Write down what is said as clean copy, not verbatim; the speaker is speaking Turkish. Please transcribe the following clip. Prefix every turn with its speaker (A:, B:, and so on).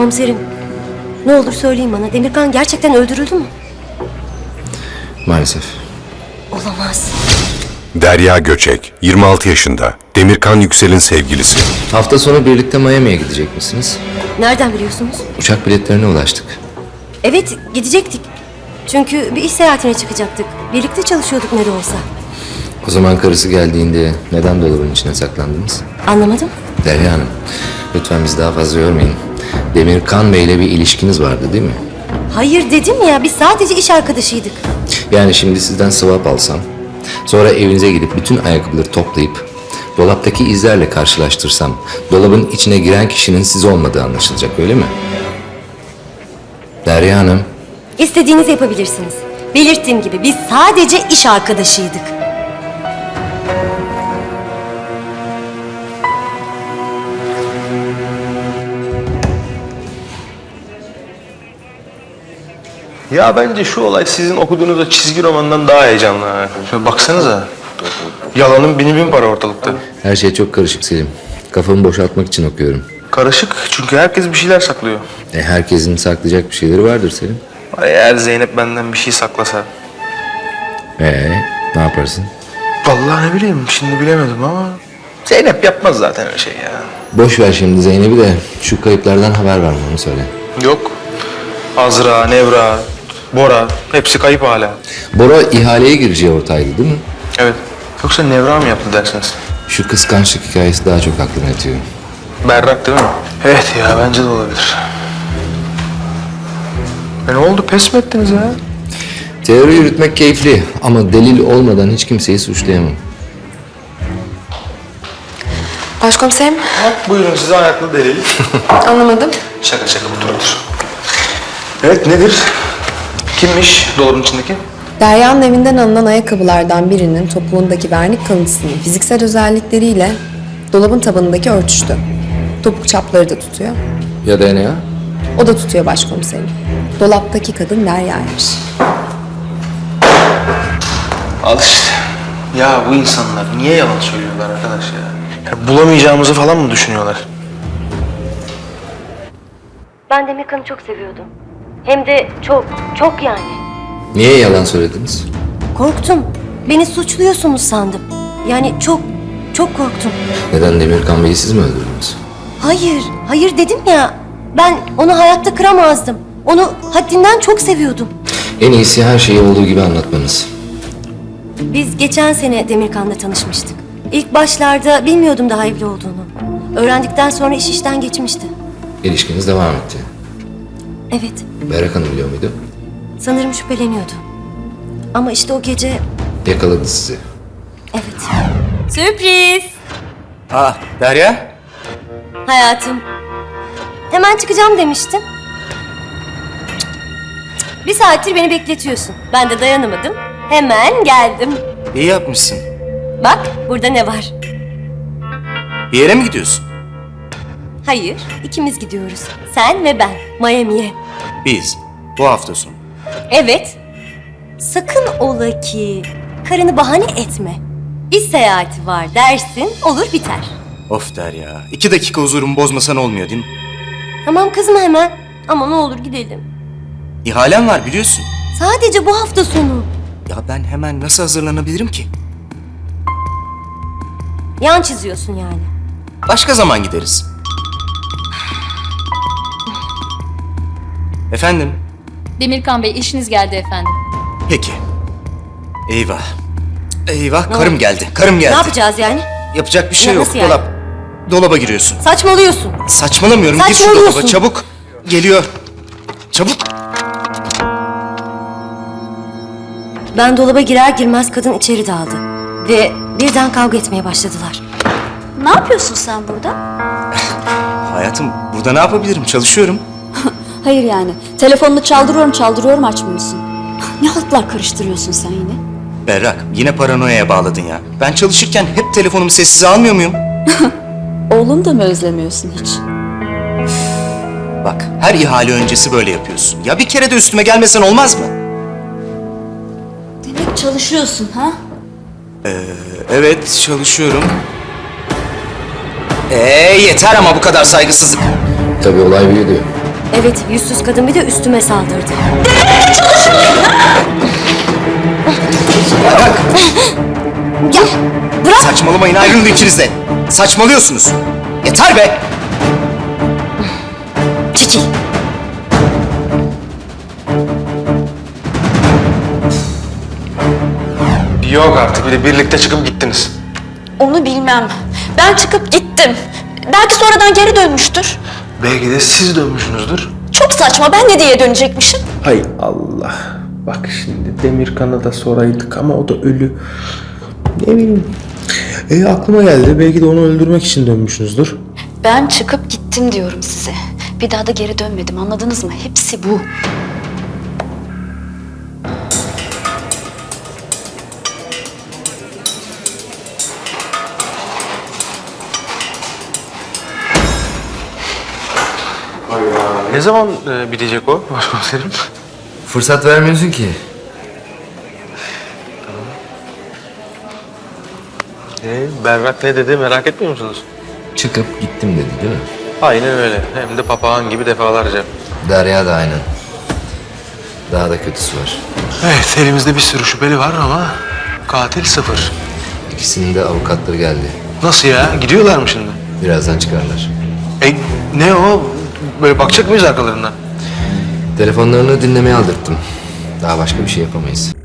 A: Komiserim, ne olur söyleyin bana. Demirkan gerçekten öldürüldü mü?
B: Maalesef.
A: Olamaz.
C: Derya Göçek, 26 yaşında. Demirkan Yüksel'in sevgilisi.
B: Hafta sonu birlikte Miami'ye gidecek misiniz?
A: Nereden biliyorsunuz?
B: Uçak biletlerine ulaştık.
A: Evet, gidecektik. Çünkü bir iş seyahatine çıkacaktık. Birlikte çalışıyorduk ne de olsa.
B: O zaman karısı geldiğinde neden dolabın içine saklandınız?
A: Anlamadım.
B: Derya Hanım, lütfen bizi daha fazla yormayın. Demirkan Bey'le bir ilişkiniz vardı değil mi?
A: Hayır dedim ya, biz sadece iş arkadaşıydık.
B: Yani şimdi sizden swap alsam, sonra evinize gidip bütün ayakkabıları toplayıp dolaptaki izlerle karşılaştırsam, dolabın içine giren kişinin siz olmadığı anlaşılacak, öyle mi? Derya Hanım,
A: İstediğinizi yapabilirsiniz. Belirttiğim gibi biz sadece iş arkadaşıydık.
D: Ya bence şu olay sizin okuduğunuz o çizgi romandan daha heyecanlı ha. Şöyle baksanıza. Yalanın bini bin para ortalıkta.
B: her şey çok karışık Selim. Kafamı boşaltmak için okuyorum.
D: Karışık çünkü herkes bir şeyler saklıyor.
B: Herkesin saklayacak bir şeyleri vardır Selim.
D: Eğer Zeynep benden bir şey saklasa.
B: Ne yaparsın?
D: Vallahi ne bileyim şimdi bilemedim ama. Zeynep yapmaz zaten öyle şey ya.
B: Boş ver şimdi Zeynep'i de şu kayıplardan haber verme, onu söyle.
D: Yok. Azra, Nevra, Bora hepsi kayıp hala.
B: Bora ihaleye gireceği ortaydı değil mi?
D: Evet. Yoksa Nevra mı yaptı dersiniz?
B: Şu kıskançlık hikayesi daha çok aklıma yatıyor.
D: Berrak değil mi? Evet ya bence de olabilir. Ne oldu pes mi ettiniz ya?
B: Teori yürütmek keyifli ama delil olmadan hiç kimseyi suçlayamam.
E: Başkomiserim,
D: Buyurun size ayaklı delil.
E: anlamadım.
D: Şaka şaka otur. Evet nedir? Kimmiş dolabın içindeki?
E: Derya'nın evinden alınan ayakkabılardan birinin topuğundaki vernik kalıntısının fiziksel özellikleriyle dolabın tabanındaki örtüştü. Topuk çapları da tutuyor.
B: Ya DNA?
E: O da tutuyor başkomiserim. Dolaptaki kadın Derya'ymış.
D: Al işte. Ya bu insanlar niye yalan söylüyorlar arkadaş ya? Bulamayacağımızı falan mı düşünüyorlar?
A: Ben Demirkan'ı çok seviyordum. Hem de çok, çok yani.
B: Niye yalan söylediniz?
A: Korktum. Beni suçluyorsunuz sandım. Yani çok, çok korktum.
B: Neden Demirkan Bey'i siz mi öldürdünüz?
A: Hayır, hayır dedim ya. Ben onu hayatta kıramazdım. Onu haddinden çok seviyordum.
B: En iyisi her şeyi olduğu gibi anlatmanız.
A: Biz geçen sene Demirkan'la tanışmıştık. İlk başlarda bilmiyordum daha evli olduğunu. Öğrendikten sonra iş işten geçmişti.
B: İlişkiniz devam etti.
A: Evet,
B: Berrak Hanım biliyor muydu?
A: sanırım şüpheleniyordu. Ama işte o gece...
B: Yakaladı sizi.
A: Evet. Sürpriz!
F: Derya?
A: Hayatım. Hemen çıkacağım demiştin. Bir saattir beni bekletiyorsun. Ben de dayanamadım. Hemen geldim.
F: İyi yapmışsın.
A: Bak burada ne var?
F: Bir yere mi gidiyorsun?
A: Hayır, ikimiz gidiyoruz. Sen ve ben Miami'ye.
F: Biz. Bu hafta sonu.
A: Evet. Sakın ola ki karını bahane etme. İş seyahati var dersin, olur biter.
F: Of Derya. 2 dakika huzurumu bozmasan olmuyor değil mi?
A: Tamam kızma hemen. Ama ne olur gidelim.
F: İhalem var biliyorsun.
A: Sadece bu hafta sonu.
F: Ya ben hemen nasıl hazırlanabilirim ki?
A: Yan çiziyorsun yani.
F: Başka zaman gideriz. Efendim?
G: Demirkan Bey işiniz geldi efendim.
F: Peki. Eyvah. Eyvah
A: Ne
F: karım
A: oldu?
F: geldi. Karım geldi.
A: Ne yapacağız yani?
F: Yapacak bir şey
A: Ya
F: yok.
A: nasıl yani?
F: Dolap. Dolaba giriyorsun.
A: Saçmalıyorsun.
F: Saçmalamıyorum. Gir şu
A: Saçmalıyorsun.
F: dolaba çabuk. Geliyor. Çabuk.
A: Ben dolaba girer girmez kadın içeri daldı. Ve birden kavga etmeye başladılar.
H: Ne yapıyorsun sen burada?
F: Hayatım burada ne yapabilirim? Çalışıyorum.
H: Hayır yani. Telefonunu çaldırıyorum açmıyorsun. Ne haltlar karıştırıyorsun sen yine?
F: Berrak yine paranoyaya bağladın ya. Ben çalışırken hep telefonumu sessize almıyor muyum?
H: Oğlum da mı özlemiyorsun hiç?
F: Bak her ihale öncesi böyle yapıyorsun. Ya bir kere de üstüme gelmesen olmaz mı?
H: Demek çalışıyorsun ha?
F: Evet çalışıyorum. Yeter ama bu kadar saygısızlık.
B: Tabii olay büyüdü.
A: Evet, yüzsüz kadın bir de üstüme saldırdı. Ya bırak!
F: Saçmalamayın, ayrılın ikiniz de. Saçmalıyorsunuz. Yeter be!
A: Çekil!
D: Yok artık, bir de birlikte çıkıp gittiniz.
H: Onu bilmem. Ben çıkıp gittim. Belki sonradan geri dönmüştür.
D: Belki de siz dönmüşsünüzdür.
H: Çok saçma. Ben ne diye dönecekmişim?
D: Hay Allah. Bak şimdi Demirkan'a da soraydık ama o da ölü. Ne bileyim. Aklıma geldi. Belki de onu öldürmek için dönmüşsünüzdür.
H: Ben çıkıp gittim diyorum size. Bir daha da geri dönmedim. Anladınız mı? Hepsi bu.
D: Ne zaman bitecek o başkomiserim?
B: Fırsat vermiyorsun ki.
D: Berrak ne dedi merak etmiyor musunuz?
B: Çıkıp gittim dedi değil mi?
D: Aynen öyle. Hem de papağan gibi defalarca.
B: Derya da aynen. Daha da kötüsü var.
D: Evet, elimizde bir sürü şüpheli var ama katil sıfır.
B: İkisinin de avukatları geldi.
D: Nasıl ya? Gidiyorlar mı şimdi?
B: Birazdan çıkarlar.
D: Ne o? Böyle bakacak mıyız arkalarından?
B: Telefonlarını dinlemeye aldırttım. Daha başka bir şey yapamayız.